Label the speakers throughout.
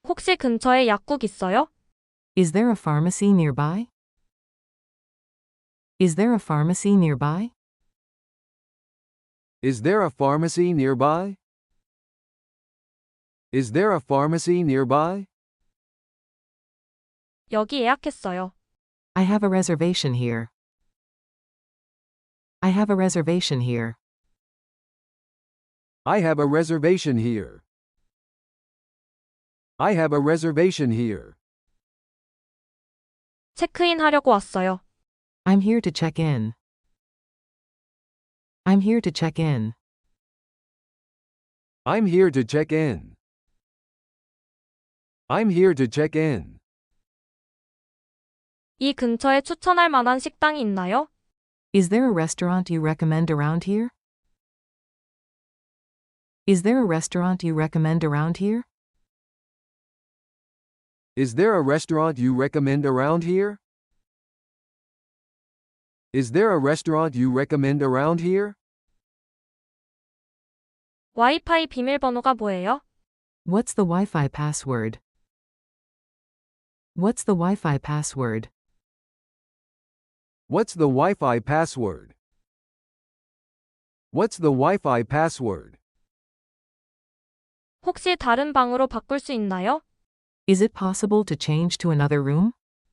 Speaker 1: 혹시 근처에 약국 있어요?
Speaker 2: Is there a pharmacy nearby? Is there a pharmacy nearby?
Speaker 3: Is there a pharmacy nearby? Is there a pharmacy nearby?
Speaker 1: 여기 예약했어요.
Speaker 2: I have a reservation here. I have a reservation here.
Speaker 3: I have a reservation here. I have a reservation here.
Speaker 1: 체크인 하려고 왔어요.
Speaker 2: I'm here to check in. I'm here to check in.
Speaker 3: I'm here to check in. I'm here to check in.
Speaker 1: 이 근처에 추천할 만한 식당이 있나요?
Speaker 2: Is there a restaurant you recommend around here? Is there a restaurant you recommend around here?
Speaker 3: Is there a restaurant you recommend around here? Is there a restaurant you recommend around here?
Speaker 1: 와이파이 비밀번호가 뭐예요?
Speaker 2: What's the Wi-Fi password? What's the Wi-Fi password?
Speaker 3: What's the Wi-Fi password? What's the Wi-Fi password?
Speaker 1: 혹시 다른 방으로 바꿀 수 있나요?
Speaker 2: Is it possible to change to another room?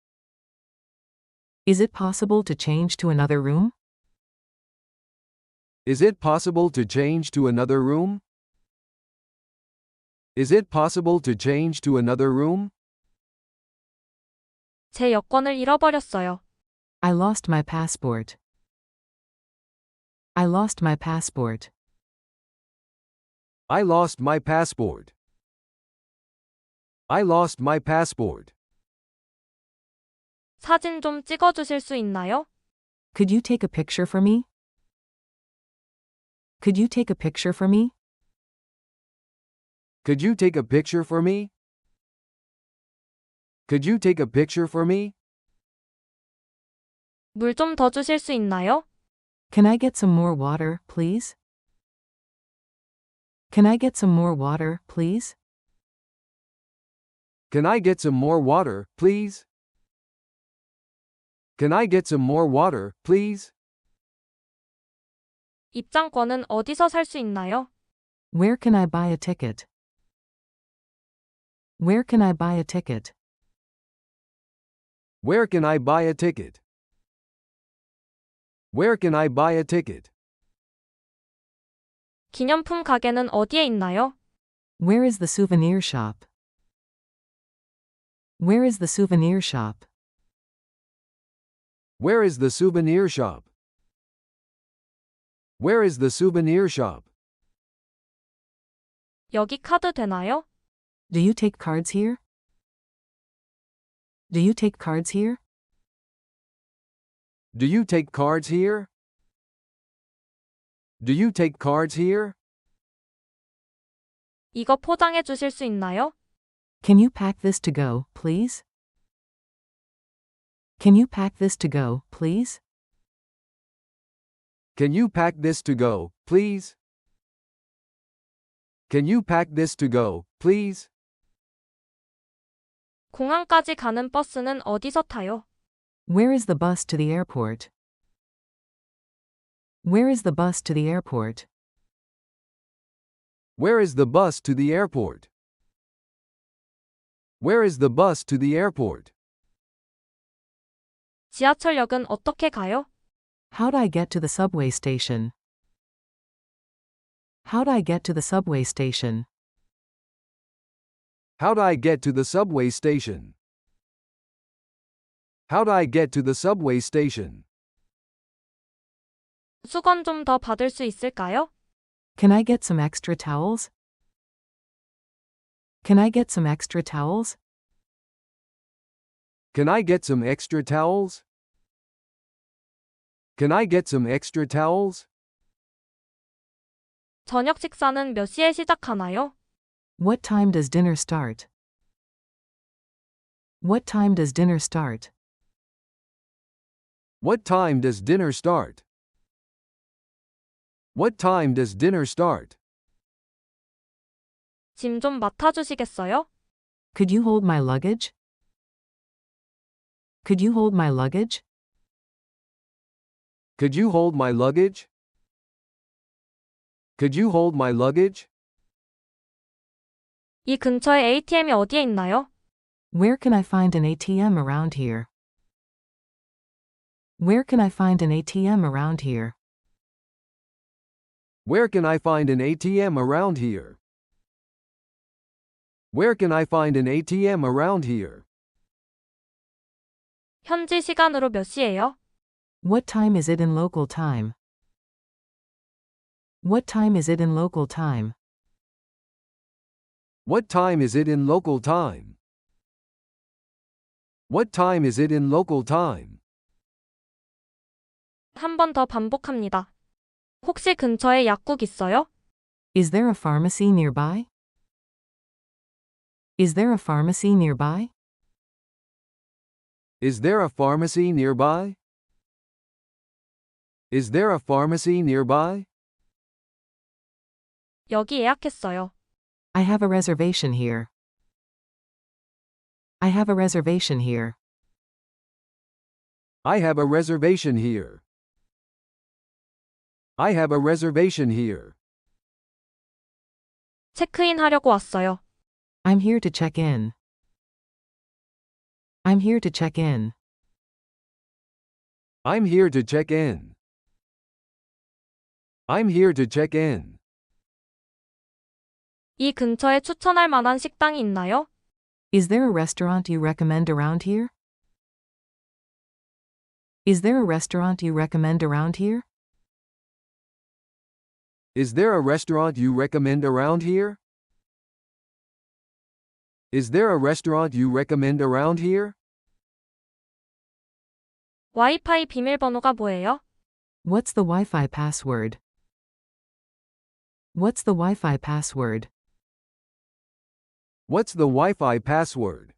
Speaker 2: Is it possible to change to another room?
Speaker 3: Is it possible to change to another room? Is it possible to change to another room?
Speaker 1: 제 여권을 잃어버렸어요.
Speaker 2: I lost my passport. I lost my passport.
Speaker 3: I lost my passport. I lost my passport.
Speaker 1: 사진 좀 찍어주실 수 있나요?
Speaker 2: Could you take a picture for me? Could you take a picture for me?
Speaker 3: Could you take a picture for me? Could you take a picture for me?
Speaker 1: 물 좀 더 주실 수 있나요?
Speaker 2: Can I get some more water, please? Can I get some more water, please?
Speaker 3: Can I get some more water, please? Can I get some more water, please?
Speaker 1: 입장권은 어디서 살 수 있나요?
Speaker 2: Where can I buy a ticket? Where can I buy a ticket?
Speaker 3: Where can I buy a ticket? Where can I buy a ticket?
Speaker 1: 기념품 가게는 어디에 있나요?
Speaker 2: Where is the souvenir shop? Where is the souvenir shop?
Speaker 3: Where is the souvenir shop? Where is the souvenir shop?
Speaker 1: 여기 카드 되나요?
Speaker 2: Do you take cards here? Do you take cards here?
Speaker 3: Do you take cards here? Do you take cards here?
Speaker 1: 이거 포장해 주실 수 있나요?
Speaker 2: Can you pack this to go, please? Can you pack this to go, please?
Speaker 3: Can you pack this to go, please? Can you pack this to go, please?
Speaker 1: 공항까지 가는 버스는 어디서 타요?
Speaker 2: Where is the bus to the airport? Where is the bus to the airport?
Speaker 3: Where is the bus to the airport? Where is the bus to the airport?
Speaker 1: 지하철역은 어떻게 가요?
Speaker 2: How do I get to the subway station? How do I get to the subway station?
Speaker 3: How do I get to the subway station? How do I get to the subway station?
Speaker 1: 수건 좀 더 받을 수 있을까요?
Speaker 2: Can I get some extra towels? Can I get some extra towels?
Speaker 3: Can I get some extra towels? Can I get some extra towels?
Speaker 1: 저녁 식사는 몇 시에 시작하나요?
Speaker 2: What time does dinner start? What time does dinner start?
Speaker 3: What time does dinner start? What time does dinner start?
Speaker 1: 짐 좀 맡아주시겠어요?
Speaker 2: Could you hold my luggage? Could you hold my luggage?
Speaker 3: Could you hold my luggage? Could you hold my luggage?
Speaker 1: 이 근처에 ATM이 어디에 있나요?
Speaker 2: Where can I find an ATM around here? Where can I find an ATM around here?
Speaker 3: Where can I find an ATM around here? Where can I find an ATM around here?
Speaker 1: 현지 시간으로 몇 시예요?
Speaker 2: What time is it in local time? What time is it in local time?
Speaker 3: What time is it in local time? What time is it in local time?
Speaker 1: 한 번 더 반복합니다. 혹시 근처에 약국 있어요?
Speaker 2: Is there a pharmacy nearby? Is there a pharmacy nearby?
Speaker 3: Is there a pharmacy nearby? Is there a pharmacy nearby?
Speaker 1: 여기 예약했어요.
Speaker 2: I have a reservation here. I have a reservation here.
Speaker 3: I have a reservation here. I have a reservation here.
Speaker 1: 체크인 하려고 왔어요.
Speaker 2: I'm here to check in. I'm here to check in.
Speaker 3: I'm here to check in. I'm here to check in.
Speaker 1: 이 근처에 추천할 만한 식당이 있나요?
Speaker 2: Is there a restaurant you recommend around here? Is there a restaurant you recommend around here?
Speaker 3: Is there a restaurant you recommend around here? Is there a restaurant you recommend around here?
Speaker 1: 와이파이 비밀번호가 뭐예요?
Speaker 2: What's the Wi-Fi password? What's the Wi-Fi password?
Speaker 3: What's the Wi-Fi password?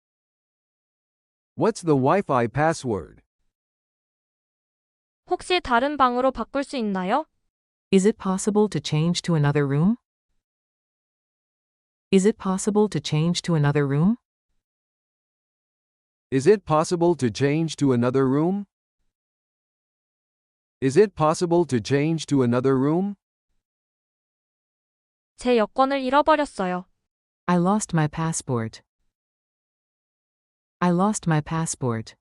Speaker 3: What's the Wi-Fi password?
Speaker 1: 혹시 다른 방으로 바꿀 수 있나요?
Speaker 2: Is it possible to change to another room? Is it possible to change to another room?
Speaker 3: Is it possible to change to another room? Is it possible to change to another room?
Speaker 1: 제 여권을 잃어버렸어요.
Speaker 2: I lost my passport. I lost my passport.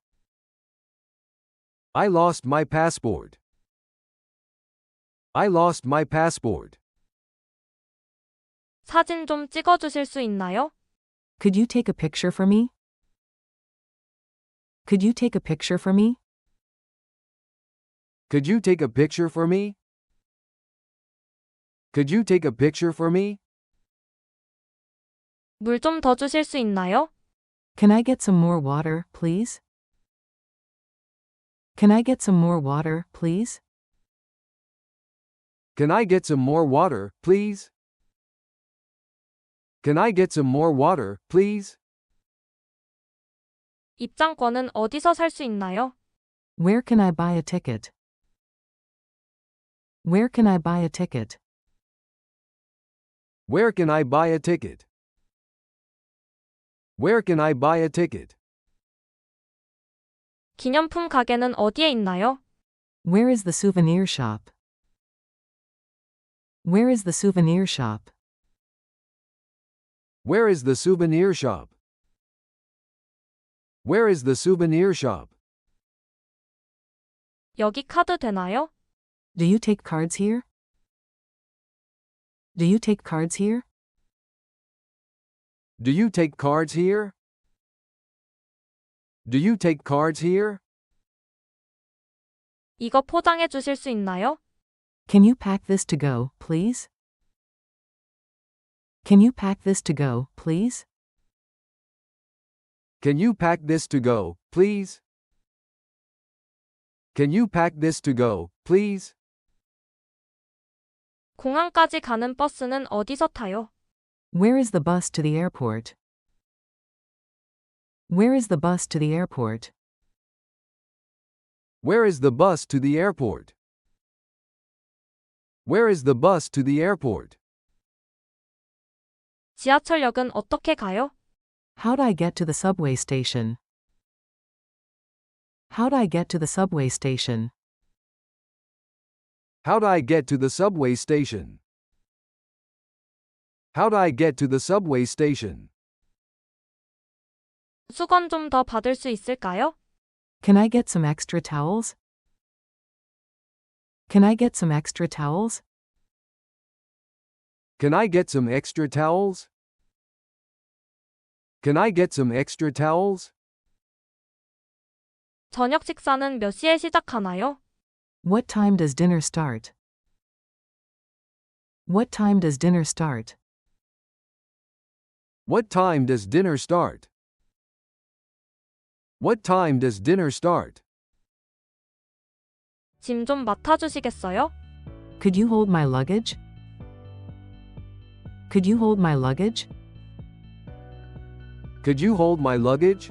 Speaker 3: I lost my passport. I lost my passport.
Speaker 1: 사진 좀 찍어주실 수 있나요?
Speaker 2: Could you take a picture for me? Could you take a picture for me?
Speaker 3: Could you take a picture for me? Could you take a picture for me?
Speaker 1: 물 좀 더 주실 수 있나요?
Speaker 2: Can I get some more water, please? Can I get some more water, please?
Speaker 3: Can I get some more water, please? Can I get some more water, please?
Speaker 1: 입장권은 어디서 살 수 있나요?
Speaker 2: Where can I buy a ticket? Where can I buy a ticket?
Speaker 3: Where can I buy a ticket? Where can I buy a ticket?
Speaker 1: 기념품 가게는 어디에 있나요?
Speaker 2: Where is the souvenir shop? Where is the souvenir shop?
Speaker 3: Where is the souvenir shop? Where is the souvenir shop?
Speaker 1: 여기 카드 되나요?
Speaker 2: Do you take cards here? Do you take cards here?
Speaker 3: Do you take cards here? Do you take cards here?
Speaker 1: 이거 포장해 주실 수 있나요?
Speaker 2: Can you pack this to go, please? Can you pack this to go, please?
Speaker 3: Can you pack this to go, please? Can you pack this to go, please?
Speaker 1: 공항까지 가는 버스는 어디서 타요?
Speaker 2: Where is the bus to the airport? Where is the bus to the airport?
Speaker 3: Where is the bus to the airport? Where is the bus to the airport?
Speaker 1: 지하철역은 어떻게 가요?
Speaker 2: How'd I get to the subway station? How'd I get to the subway station?
Speaker 3: How'd I get to the subway station? How'd I get to the subway station?
Speaker 1: 수건 좀 더 받을 수 있을까요?
Speaker 2: Can I get some extra towels? Can I get some extra towels?
Speaker 3: Can I get some extra towels? Can I get some extra towels?
Speaker 1: 저녁 식사는 몇 시에 시작하나요?
Speaker 2: What time does dinner start? What time does dinner start?
Speaker 3: What time does dinner start? What time does dinner start?
Speaker 1: 짐 좀 맡아주시겠어요?
Speaker 2: Could you hold my luggage? Could you hold my luggage?
Speaker 3: Could you hold my luggage?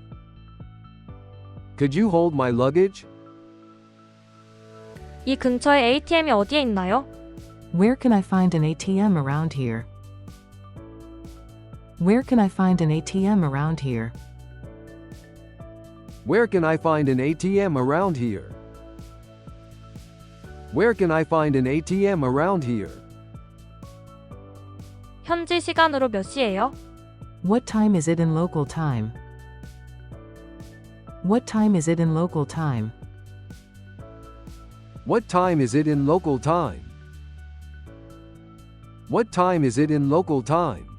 Speaker 3: Could you hold my luggage?
Speaker 1: 이 근처에 ATM이 어디에 있나요?
Speaker 2: Where can I find an ATM around here? Where can I find an ATM around here?
Speaker 3: Where can I find an ATM around here? Where can I find an ATM around here?
Speaker 1: 현지 시간으로 몇 시예요?
Speaker 2: What time is it in local time? What time is it in local time?
Speaker 3: What time is it in local time? What time is it in local time?